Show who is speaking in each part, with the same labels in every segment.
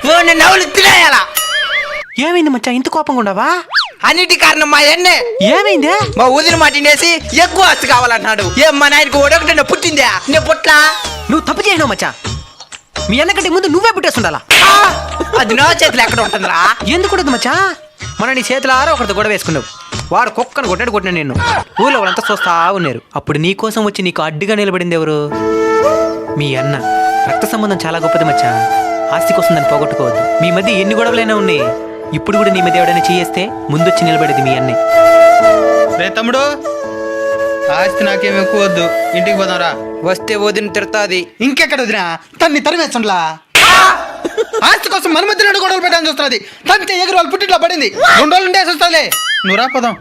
Speaker 1: నవ్వులు తినేయాలా.
Speaker 2: ఏమైంది మచ్చా ఇంత కోపంగా ఉండవా?
Speaker 1: అన్నిటి కారణం మా అన్నే.
Speaker 2: ఏమైందే?
Speaker 1: మా వదిన మాట వినేసి ఎక్కువ ఆస్తి కావాలన్నాడు. ఏం మా నాయనకు ఒకటి పుట్టిందా? నేను పుట్లా.
Speaker 2: నువ్వు తప్పు చేసినావు మచ్చా. మీ అన్నకంటే ముందు నువ్వే పుట్టేస్తుండాలా.
Speaker 1: అది నా చేతిలో ఎక్కడ ఉంటుందిరా?
Speaker 2: ఎందుకు ఉండదు మచ్చా? మన నీ చేతుల ఆరో ఒకరితో గొడవ వేసుకున్నావు. వాడు కుక్కను కొట్టిన నిన్ను ఊళ్ళో వాళ్ళంతా చూస్తా ఉన్నారు. అప్పుడు నీ కోసం వచ్చి నీకు అడ్డుగా నిలబడింది ఎవరు? మీ అన్న. రక్త సంబంధం చాలా గొప్పది మచ్చా. ఆస్తి కోసం దాన్ని పోగొట్టుకోవద్దు. మీ మధ్య ఎన్ని గొడవలైనా ఉన్నాయి. ఇప్పుడు కూడా నీ మధ్య ఎవడైనా చేస్తే ముందొచ్చి నిలబడేది మీ అన్నే.
Speaker 3: రే తమ్ముడు, ఆస్తి నాకేం ఎక్కువ వద్దు, ఇంటికి పోదాంరా.
Speaker 1: వస్తే వదిన తిడతాది.
Speaker 3: ఇంకెక్కడ వదినా? తన్ని తరిమేస్తుండ్లా. ఆస్తి కోసం మన మధ్య రెండు గొడవలు పెట్టాలని చూస్తుంది. తంతే ఎగురు వాళ్ళు పుట్టిట్లో పడింది. 2 రోజులు ఉండేసి వస్తుంది. నువ్వు రా పోదాం.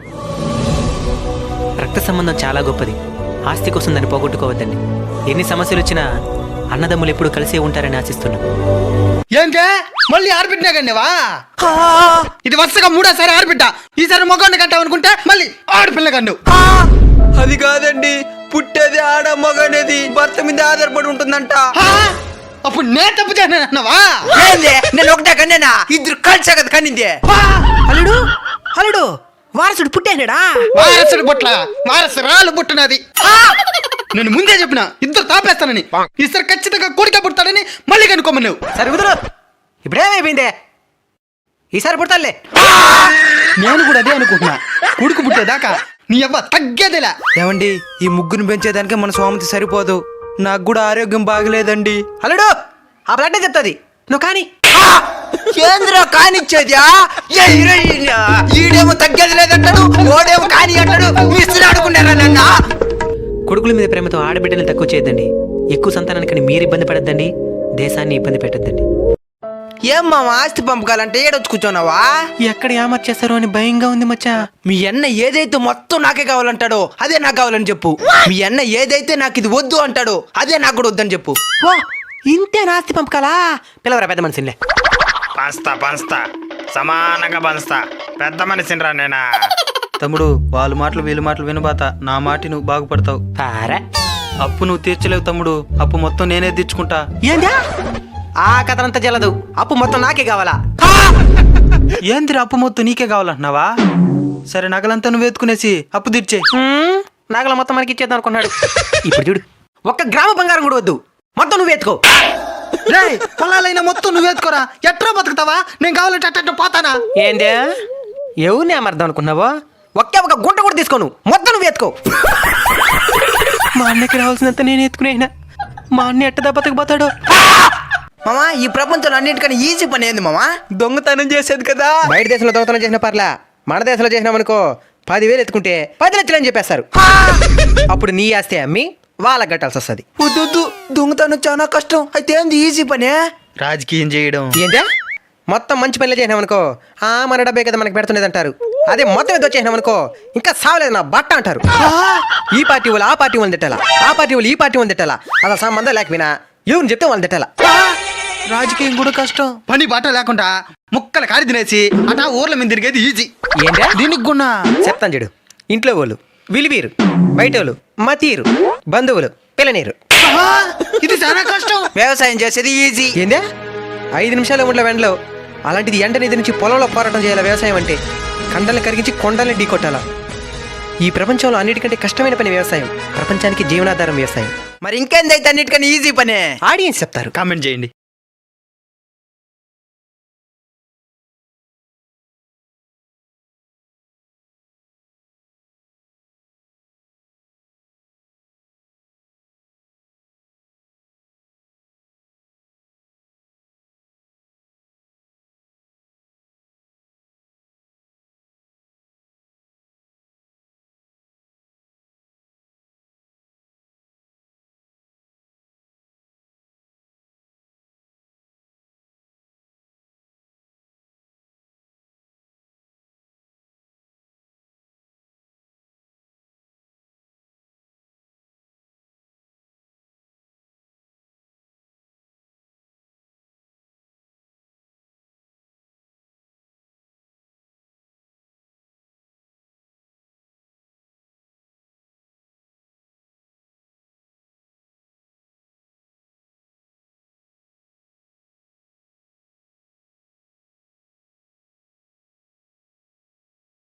Speaker 2: రక్త సంబంధం చాలా గొప్పది. ఆస్తి కోసం దాన్ని పోగొట్టుకోవద్దండి. ఎన్ని సమస్యలు వచ్చినా అన్నదమ్ములు ఎప్పుడు కలిసే ఉంటారని ఆశిస్తున్నాం.
Speaker 3: ఏంటే మళ్ళీ ఆడబిడ్డా కండివా? ఇది వరుసగా 3వ సారి ఆడబిడ్డ. ఈసారి మొగండి కంటావనుకుంటే మళ్ళీ ఆడపిల్ల కండు.
Speaker 1: అది కాదండి, పుట్టేది ఆడ మగ అనేది భర్త మీద ఆధారపడి ఉంటుందంట.
Speaker 3: అప్పుడు నేను తప్పు చేసినావా?
Speaker 1: నేను ఒకటే కన్నా, ఇద్దరు కలిసే కదా కన్నింది.
Speaker 2: అల్లుడు అల్లుడు వారసుడు పుట్టేనాడా?
Speaker 3: వారసుడు పుట్ల వారసురాలు పుట్టినది. నేను ముందే చెప్పిన ఇద్దరు తాపేస్తానని. ఈసారి ఖచ్చితంగా కొడుక పుడతాడని మళ్ళీ కనుక్కోమన్నావు.
Speaker 2: సరే కుదరు. ఇప్పుడేమైపోయిందే? ఈసారి పుడతాలే.
Speaker 3: నేను కూడా అదే అనుకుంటున్నా. కొడుకు పుట్టేదాకా నీ అవ్వ తగ్గేదిలా.
Speaker 1: ఏమండి, ఈ ముగ్గురు పెంచేదానికి మన స్వామితి సరిపోదు. నాకు కూడా ఆరోగ్యం బాగలేదండి.
Speaker 2: అల్లుడు ఆ బ్లడ్ చెప్తుంది. నువ్వు కానీ
Speaker 1: కేంద్ర కానిచ్చేదా? ఈడేమో తగ్గేది లేదంటాడు, ఓడేమో కాని అంటాడు. మిస్త్రీ ఆడుకున్నారా నన్న?
Speaker 2: కొడుకుల మీద ప్రేమతో ఆడబిడ్డలు తక్కువ చేయొద్దండి. ఎక్కువ సంతానానికని మీరు ఇబ్బంది పడద్దండి. దేశాన్ని ఇబ్బంది పెట్టద్దండి.
Speaker 1: ఏం మామ, ఆస్తి పంపకాలంటే ఏడొచ్చు కూర్చోన్నావా?
Speaker 2: ఎక్కడ ఏమర్చేస్తారో అని భయంగా ఉంది మచ్చా.
Speaker 1: మీ అన్న ఏదైతే మొత్తం నాకే కావాలంటాడో అదే నాకు కావాలని చెప్పు. మీ అన్న ఏదైతే నాకు ఇది వద్దు అంటాడో అదే నాకు కూడా వద్దని చెప్పు.
Speaker 2: ఓ ఇంతే నాస్తి పంపకాలా? పిలవరా పెద్ద మనిషిలే.
Speaker 4: పంచుతా సమానంగా పంచుతా. పెద్ద మనిషినిరా నేనా.
Speaker 3: తమ్ముడు, వాళ్ళ మాటలు వీళ్ళ మాటలు వినబాత. నా మాట నువ్వు బాగుపడతావు.
Speaker 2: పారా
Speaker 3: అప్పు నువ్వు తీర్చలేవు తమ్ముడు. అప్పు మొత్తం నేనే తీర్చుకుంటా.
Speaker 2: ఏందా? ఆ కథనంతా చెల్లదు. అప్పు మొత్తం నాకే కావాలా?
Speaker 3: ఏందిరా అప్పు మొత్తం నీకే కావాలంటున్నావా? సరే, నగలంతా నువ్వు ఎత్తుకునేసి అప్పు తీర్చే.
Speaker 2: నాగల మొత్తం మనకి ఇచ్చేద్దాం అనుకున్నాడు. ఇప్పుడు చూడు, ఒక్క గ్రామ బంగారం కూడా వద్దు, మొత్తం నువ్వు ఎత్తుకో.
Speaker 3: పొలాలైనా మొత్తం నువ్వు ఎత్తుకోరా. ఎట్రా బతుకుతావా? నేను కావాలంటే అట్ట పోతానా?
Speaker 2: ఏందే? ఎవరిని అమర్థం అనుకున్నావో? ఒకే ఒక గుంట కూడా తీసుకోను, మొత్తం నువ్వు ఎత్తుకో. మా అన్నకి రావాల్సినంత నేను ఎత్తుకునేనా? మా అన్న ఎట్ట దెబ్బతకపోతాడు?
Speaker 1: మామా, ఈ ప్రపంచంలో అన్నిటికన్నా ఈజీ పని ఏంది మామా? దొంగతనం చేసేది కదా.
Speaker 2: బయట దేశంలో దొంగతనం చేసిన పర్లా, మన దేశంలో చేసినామనుకో 10,000 ఎత్తుకుంటే 10 లక్షలు అని చెప్పేస్తారు. అప్పుడు నీ ఆస్తి అమ్మి వాళ్ళకి కట్టాల్సి వస్తుంది.
Speaker 1: వద్దు, దొంగతనం చాలా కష్టం. అయితే ఏంది ఈజీ పనే?
Speaker 3: రాజకీయం చేయడం.
Speaker 2: ఏంటా? మొత్తం మంచి పనులు చేసినామనుకో మన డబ్బే కదా మనకి పెడుతున్నది అంటారు. అదే మొత్తం ఏదో చేసినామనుకో ఇంకా సావలేదు నా బట్ట అంటారు. ఈ పార్టీ వాళ్ళు ఆ పార్టీ వాళ్ళని తిట్టాలా, ఆ పార్టీ వాళ్ళు ఈ పార్టీ వాళ్ళని తిట్టాలా. అలా సంబంధం లేకపోయినా ఎవరిని చెప్తే వాళ్ళని తిట్టాలా.
Speaker 3: రాజకీయం కూడా కష్టం. పని బాట లేకుండా ముక్కలు కాడి తినేసి అటా ఊర్ల మీద తిరిగేది ఈజీ.
Speaker 2: ఏంటా?
Speaker 3: దీనికి గున్నా
Speaker 2: చెప్తాను చూడు. ఇంట్లో వాళ్ళు విలువీరు, బయట వాళ్ళు మతీరు, బంధువులు పిల్లనీరు.
Speaker 3: ఇది చాలా కష్టం.
Speaker 1: వ్యవసాయం చేసేది ఈజీ.
Speaker 2: ఏందా? 5 నిమిషాల ఉండే వెంటలో అలాంటిది ఎండ నిధి నుంచి పొలంలో పోరాటం చేయాలి. వ్యవసాయం అంటే కండల్ని కరిగించి కొండల్ని ఢీకొట్టాలా. ఈ ప్రపంచంలో అన్నిటికంటే కష్టమైన పని వ్యవసాయం. ప్రపంచానికి జీవనాధారం వ్యవసాయం.
Speaker 1: మరి ఇంకేందైతే అన్నిటికన్నా ఈజీ పనే?
Speaker 2: ఆడియన్స్ చెప్తారు.
Speaker 3: కామెంట్ చేయండి.